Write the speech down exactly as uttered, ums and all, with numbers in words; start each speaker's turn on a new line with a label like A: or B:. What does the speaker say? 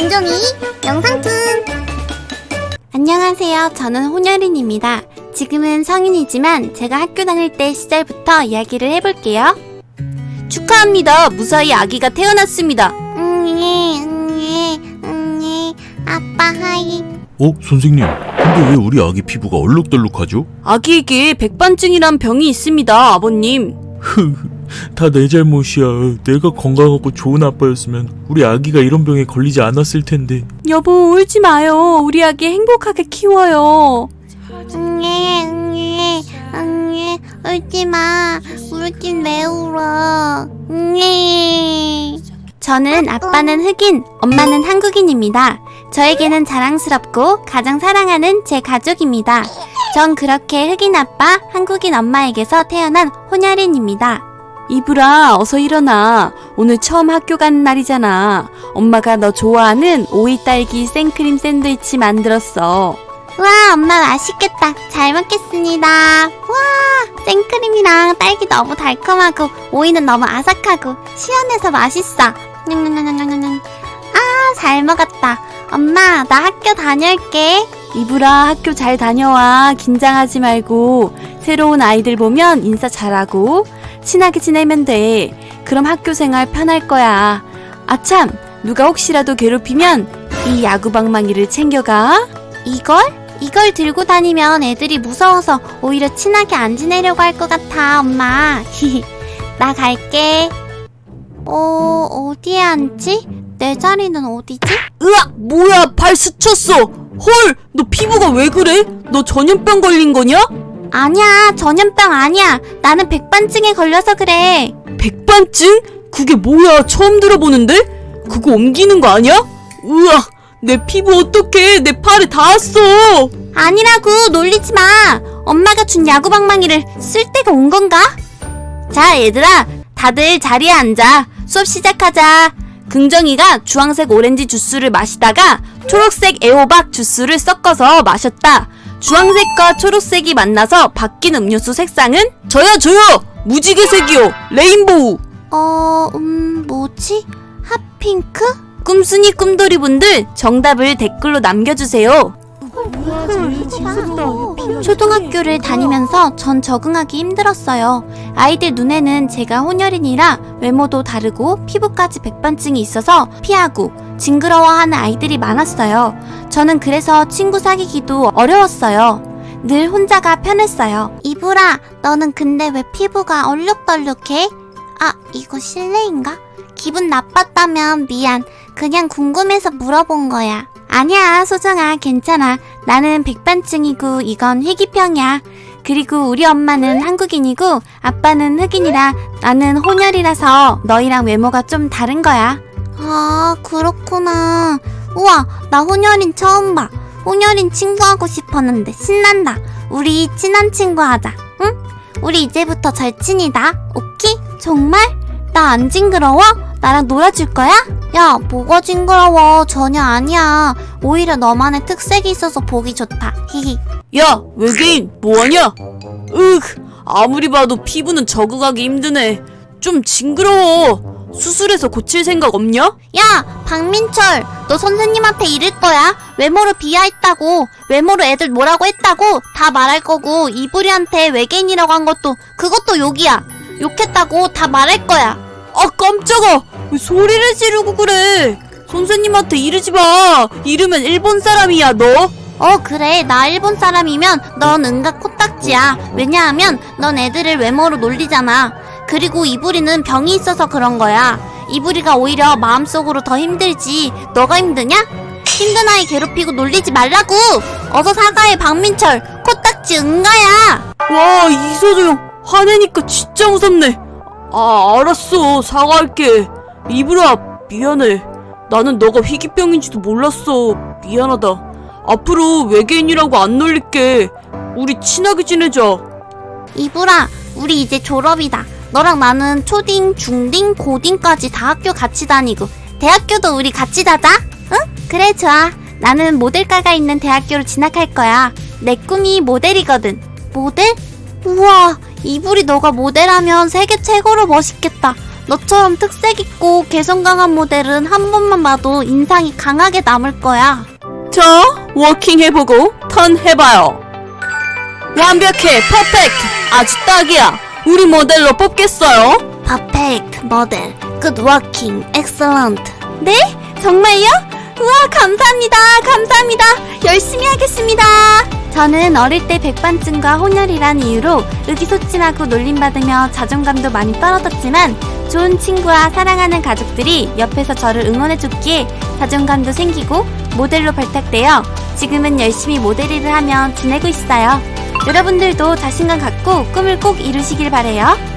A: 긍정이 영상툰.
B: 안녕하세요. 저는 혼혈인입니다. 지금은 성인이지만 제가 학교 다닐 때 시절부터 이야기를 해볼게요. 축하합니다. 무사히 아기가 태어났습니다.
A: 응예 응예 응예 아빠 하이.
C: 어? 선생님, 근데 왜 우리 아기 피부가 얼룩덜룩하죠?
B: 아기에게 백반증이란 병이 있습니다, 아버님.
C: 다 내 잘못이야. 내가 건강하고 좋은 아빠였으면 우리 아기가 이런 병에 걸리지 않았을 텐데.
B: 여보, 울지 마요. 우리 아기 행복하게 키워요.
A: 응예 응예 응예 울지마. 울긴 왜 울어. 응예.
B: 저는 아빠는 흑인, 엄마는 한국인입니다. 저에게는 자랑스럽고 가장 사랑하는 제 가족입니다. 전 그렇게 흑인 아빠, 한국인 엄마에게서 태어난 혼혈인입니다. 이브라, 어서 일어나. 오늘 처음 학교 가는 날이잖아. 엄마가 너 좋아하는 오이 딸기 생크림 샌드위치 만들었어.
A: 우와, 엄마 맛있겠다. 잘 먹겠습니다. 우와, 생크림이랑 딸기 너무 달콤하고 오이는 너무 아삭하고 시원해서 맛있어. 냥냥냥냥냥. 아, 잘 먹었다. 엄마, 나 학교 다녀올게.
B: 이브라, 학교 잘 다녀와. 긴장하지 말고 새로운 아이들 보면 인사 잘하고 친하게 지내면 돼. 그럼 학교 생활 편할 거야. 아참, 누가 혹시라도 괴롭히면 이 야구방망이를 챙겨가.
A: 이걸? 이걸 들고 다니면 애들이 무서워서 오히려 친하게 안 지내려고 할 것 같아, 엄마. 나 갈게. 어, 어디에 앉지? 내 자리는 어디지?
B: 으악! 뭐야, 발 스쳤어. 헐, 너 피부가 왜 그래? 너 전염병 걸린 거냐?
A: 아니야, 전염병 아니야. 나는 백반증에 걸려서 그래.
B: 백반증? 그게 뭐야? 처음 들어보는데? 그거 옮기는 거 아니야? 으악! 내 피부 어떡해? 내 팔에 닿았어.
A: 아니라고, 놀리지 마. 엄마가 준 야구방망이를 쓸 때가 온 건가?
B: 자, 얘들아, 다들 자리에 앉아. 수업 시작하자. 긍정이가 주황색 오렌지 주스를 마시다가 초록색 애호박 주스를 섞어서 마셨다. 주황색과 초록색이 만나서 바뀐 음료수 색상은? 저요, 저요! 무지개색이요! 레인보우!
A: 어, 음, 뭐지? 핫핑크?
B: 꿈순이 꿈돌이 분들 정답을 댓글로 남겨주세요.
A: 초등학교를 다니면서 전 적응하기 힘들었어요. 아이들 눈에는 제가 혼혈인이라 외모도 다르고 피부까지 백반증이 있어서 피하고 징그러워하는 아이들이 많았어요. 저는 그래서 친구 사귀기도 어려웠어요. 늘 혼자가 편했어요. 이브라, 너는 근데 왜 피부가 얼룩덜룩해? 아, 이거 실례인가? 기분 나빴다면 미안. 그냥 궁금해서 물어본 거야. 아니야, 소정아, 괜찮아. 나는 백반증이고 이건 희귀병이야. 그리고 우리 엄마는 한국인이고 아빠는 흑인이라 나는 혼혈이라서 너희랑 외모가 좀 다른 거야. 아, 그렇구나. 우와, 나 혼혈인 처음 봐. 혼혈인 친구하고 싶었는데 신난다. 우리 친한 친구 하자, 응? 우리 이제부터 절친이다. 오케이? 정말? 나 안 징그러워? 나랑 놀아줄 거야? 야, 뭐가 징그러워. 전혀 아니야. 오히려 너만의 특색이 있어서 보기 좋다. 히히.
B: 야, 외계인, 뭐하냐? 으흑, 아무리 봐도 피부는 적응하기 힘드네. 좀 징그러워. 수술해서 고칠 생각 없냐?
A: 야, 박민철, 너 선생님한테 이럴 거야? 외모로 비하했다고, 외모로 애들 뭐라고 했다고 다 말할 거고, 이불이한테 외계인이라고 한 것도 그것도 욕이야. 욕했다고 다 말할 거야.
B: 아, 깜짝아! 왜 소리를 지르고 그래? 선생님한테 이러지 마. 이러면 일본 사람이야, 너.
A: 어, 그래. 나 일본 사람이면 넌 은가 코딱지야. 왜냐하면 넌 애들을 외모로 놀리잖아. 그리고 이불이는 병이 있어서 그런 거야. 이불이가 오히려 마음속으로 더 힘들지. 너가 힘드냐? 힘든 아이 괴롭히고 놀리지 말라고. 어서 사과해, 박민철. 코딱지 은가야.
B: 와, 이서정 화내니까 진짜 무섭네. 아, 알았어. 사과할게. 이브라, 미안해. 나는 너가 희귀병인지도 몰랐어. 미안하다. 앞으로 외계인이라고 안 놀릴게. 우리 친하게 지내자.
A: 이불아, 우리 이제 졸업이다. 너랑 나는 초딩, 중딩, 고딩까지 다 학교 같이 다니고 대학교도 우리 같이 다자? 응? 그래, 좋아. 나는 모델과가 있는 대학교로 진학할 거야. 내 꿈이 모델이거든. 모델? 우와, 이불이 너가 모델하면 세계 최고로 멋있겠다. 너처럼 특색 있고 개성 강한 모델은 한 번만 봐도 인상이 강하게 남을 거야.
B: 자, 워킹 해보고 턴 해봐요. 완벽해, 퍼펙트, 아주 딱이야. 우리 모델로 뽑겠어요.
A: 퍼펙트 모델, 굿 워킹, 엑셀런트. 네? 정말요? 우와, 감사합니다. 감사합니다. 열심히 하겠습니다. 저는 어릴 때 백반증과 혼혈이란 이유로 의기소침하고 놀림받으며 자존감도 많이 떨어졌지만 좋은 친구와 사랑하는 가족들이 옆에서 저를 응원해줬기에 자존감도 생기고 모델로 발탁되어 지금은 열심히 모델 일을 하며 지내고 있어요. 여러분들도 자신감 갖고 꿈을 꼭 이루시길 바래요.